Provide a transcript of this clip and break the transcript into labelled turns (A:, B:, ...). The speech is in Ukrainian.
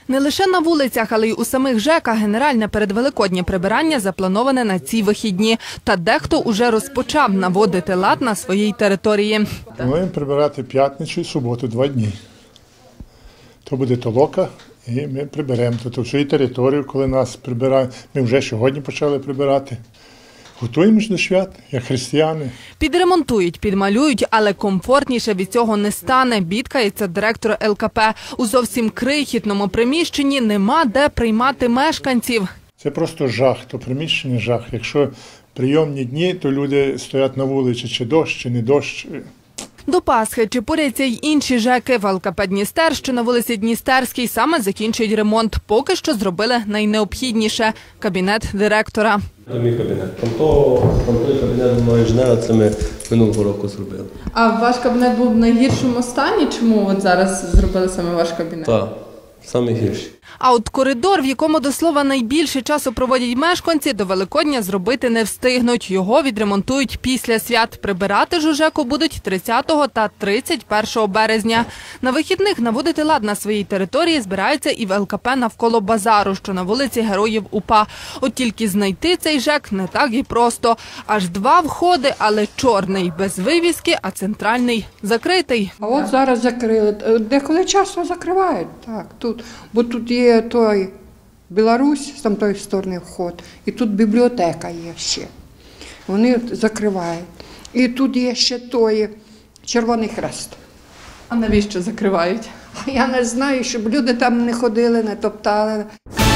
A: Не лише на вулицях, але й у самих ЖЕКах генеральне передвеликоднє прибирання заплановане на ці вихідні. Та дехто уже розпочав наводити лад на своїй території.
B: Плануємо прибирати п'ятницю і суботу 2 дні. То буде толока і ми приберемо. Тобто всю територію, коли нас прибирають, ми вже сьогодні почали прибирати. Готуємось до свят, як християни.
A: Підремонтують, підмалюють, але комфортніше від цього не стане, бідкається директор ЛКП. У зовсім крихітному приміщенні нема де приймати мешканців.
B: Це просто жах, то приміщення жах. Якщо прийомні дні, то люди стоять на вулиці, чи дощ, чи не дощ.
A: До Пасхи чепуряться й інші ЖЕКи. В ЛКП «Дністер», що на вулиці Дністерській, саме закінчують ремонт. Поки що зробили найнеобхідніше – кабінет директора.
C: Це мій кабінет. Там той кабінет мого інженера, це ми минулого року зробили.
D: А ваш кабінет був в найгіршому стані? Чому от зараз зробили саме ваш кабінет?
C: Так, саме гірші.
A: А от коридор, в якому, до слова, найбільше часу проводять мешканці, до Великодня зробити не встигнуть. Його відремонтують після свят. Прибирати ж у ЖЕКу будуть 30 та 31 березня. На вихідних наводити лад на своїй території збираються і в ЛКП навколо базару, що на вулиці Героїв УПА. От тільки знайти цей ЖЕК не так і просто. Аж 2 входи, але чорний, без вивіски, а центральний закритий.
E: А от зараз закрили. Деколи часто закривають, так, тут. Бо тут є той Білорусь, з тамтої сторони вход, і тут бібліотека є ще. Вони закривають. І тут є ще той Червоний Хрест.
D: А навіщо закривають?
E: Я не знаю, щоб люди там не ходили, не топтали.